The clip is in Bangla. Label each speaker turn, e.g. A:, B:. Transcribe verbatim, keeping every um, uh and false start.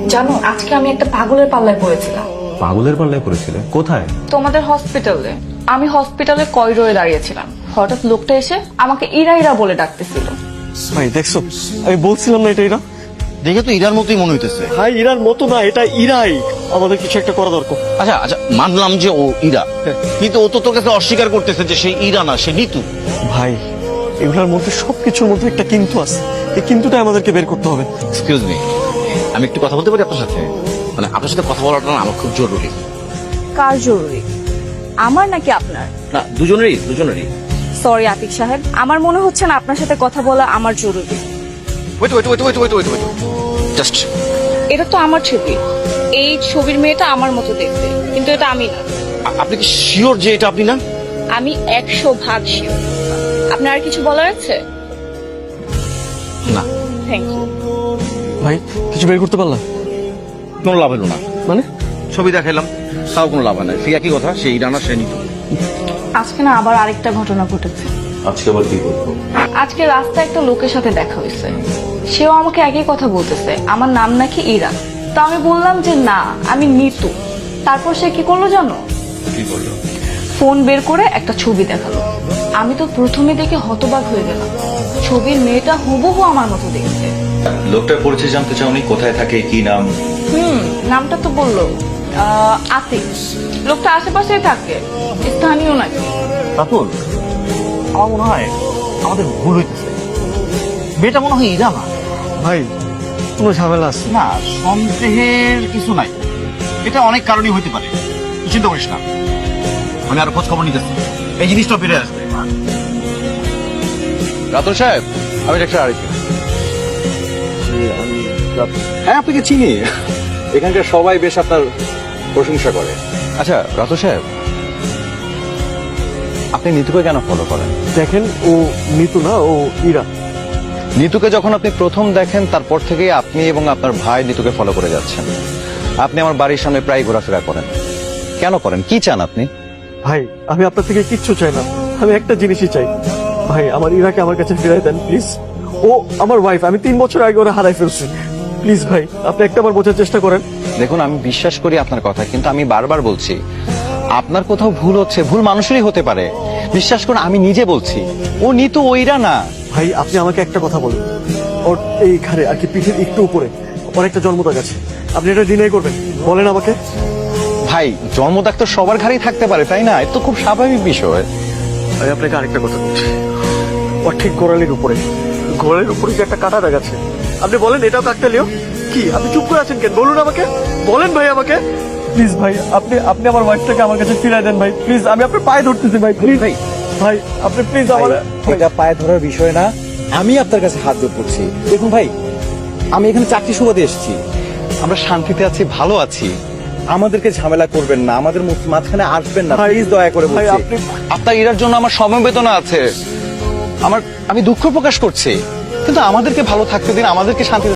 A: জানো আজকে আমি একটা পাগলের পাল্লায় পড়েছিলাম।
B: পাগলের পাল্লায় পড়েছিলে? কোথায়?
A: তোমাদের হসপিটালে। আমি হসপিটালে করিডোরে দাঁড়িয়েছিলাম, হঠাৎ লোকটা এসে আমাকে ইরা ইরা বলে ডাকতেছিল।
C: ভাই দেখছো, আমি বলছিলাম না এটা ইরা।
D: দেখে তো ইরার মতোই মনে হইতেছে।
C: ভাই ইরার মতো না, এটা ইরাই। আমাদের কিছু একটা করা দরকার।
D: আচ্ছা আচ্ছা, মানলাম যে ও ইরা, কিন্তু ও তো তোর কাছে অস্বীকার করতেছে যে সে ইরা না, সে নিতু।
C: ভাই এগুলোর মধ্যে সবকিছুর মধ্যে একটা কিন্তু আছে, এই কিন্তুটা আমাদেরকে বের করতে হবে।
D: এক্সকিউজ মি, আমি একটু কথা বলতে পারি আপনার সাথে? মানে আপনার সাথে কথা বলাটা না আমার খুব জরুরি।
E: কার জরুরি, আমার নাকি আপনার?
D: না, দুজনেরই দুজনেরই।
E: সরি আতিক সাহেব, আমার মনে হচ্ছে না আপনার সাথে কথা বলা আমার জরুরি।
D: Wait wait wait wait wait wait wait just.
A: এটা তো আমার ছবি, এই ছবির মেয়েটা আমার মতো দেখতে, কিন্তু এটা আমি না।
D: আপনি কি শিওর যে এটা আপনি না?
A: আমি একশো ভাগ শিওর। আপনার আর কিছু বলার আছে?
D: না।
A: Thank you.
C: ভাই কিছু বের করতে পারলাম?
D: কোনো লাভ হলো না।
C: মানে
D: ছবি দেখাইলাম, তাও কোনো লাভ হয় না। সেই একই কথা, সে ইরা না, সে নিতু।
A: আজকে না আবার আরেকটা ঘটনা ঘটেছে।
B: আজকে আবার কি করবো?
A: আজকে রাস্তায় একটা লোকের সাথে দেখা হয়েছে, সেও আমাকে একই কথা বলতেছে, আমার নাম নাকি ইরা। তো আমি বললাম যে না, আমি নিতু। তারপর সে কি করলো জানো?
D: কি করলো?
A: ফোন বের করে একটা ছবি দেখালো। আমি তো প্রথমে দেখে হতবাক হয়ে গেলাম, ছবির মেয়েটা হুবহু আমার মতো দেখতে।
B: লোকটার পরিচয় জানতে চাওনি? কোথায় থাকে, কি নাম?
A: হুম, নামটা তো বললো, আহ, আতিক। লোকটা আশেপাশেই থাকে, স্থানীয় নাকি।
D: রাতুল, আমার মনে হয় আমাদের ভুল হইতেছে। মেয়েটা মনে হয় ইরা না।
C: ভাই কোনো ঝামেলা আছে?
D: না, সন্দেহের কিছু নাই। এটা অনেক কারণই হইতে পারে, তুই চিন্তা করিস না। আমি আরো খোঁজ খবর নিতেছি, এই জিনিসটা ফিরে আসবে। রাতুল সাহেব, আমি ডাক্তার আরিফ।
F: হ্যাঁ, আপনাকে চিনি। এখানকার সবাই বেশ আপনার প্রশংসা করে।
B: আচ্ছা রাতু সাহেব, আপনি নিতুকে কেন ফলো করেন?
C: দেখেন, ও নিতু না, ও ইরা।
B: নিতুকে যখন আপনি প্রথম দেখেন তারপর থেকেই আপনি এবং আপনার ভাই নিতুকে ফলো করে যাচ্ছেন। আপনি আমার বাড়ির সামনে প্রায় ঘোরাফেরা করেন। কেন করেন? কি চান আপনি?
C: ভাই আমি আপনার থেকে কিচ্ছু চাই না, আমি একটা জিনিসই চাই। ভাই আমার ইরাকে আমার কাছে ফিরাই দেন প্লিজ। ও আমার ওয়াইফ, আমি তিন বছর আগে ওরা হারাই ফেলছি। প্লিজ ভাই, আপনি একটা বার বোঝার চেষ্টা করেন।
B: দেখুন, আমি বিশ্বাস করি আপনার কথা, কিন্তু আমি বারবার বলছি আপনার কোথাও ভুল হচ্ছে। ভুল মানুষেরই হতে পারে, বিশ্বাস করুন। আমি নিজে বলছি, ও নিতু, ওইরা না।
C: ভাই আপনি আমাকে একটা কথা বলুন, ওর এইখানে আর কি পিঠের একটু উপরে ওর একটা জন্মদাগ আছে, আপনি এটা ডিনাই করবেন? বলেন আমাকে।
B: ভাই জন্মদাগ তো সবার ঘাড়েই থাকতে পারে, তাই না? এটা তো খুব স্বাভাবিক বিষয়।
C: আমি আপনাকে আরেকটা কথা বলছি, ওর ঠিক গোড়ালির উপরে, গোড়ালির উপরে যে একটা কাটা দাগ আছে, আপনি বলেন এটাও কাকতালীয়? কি আপনি চুপ করে আছেন কেন? বলুন আমাকে, বলেন ভাই আমাকে। প্লিজ ভাই, আপনি আপনি আমার ওয়াইফটাকে আমার কাছে ফিরাই দেন ভাই, প্লিজ। আমি আপনার পায়ে ধরতেছি ভাই, প্লিজ ভাই। ভাই আপনি প্লিজ আমার।
F: এটা পায়ে ধরার বিষয় না, আমি আপনার কাছে হাত জোর করছি। দেখুন ভাই, আমি এখানে চাকরি সুবাদে এসেছি।
B: আমরা শান্তিতে আছি, ভালো আছি।
F: আমাদেরকে ঝামেলা করবেন না, আমাদের মধ্যে মাঝখানে আসবেন না,
C: ভাই,
F: প্লিজ দয়া করে
C: ভাই
F: বলছি।
C: আপনি
B: আপনার ইরার জন্য আমার সমবেদনা আছে, আমার আমি দুঃখ প্রকাশ করছি, কিন্তু আমাদেরকে ভালো থাকতে দিন, আমাদেরকে শান্তি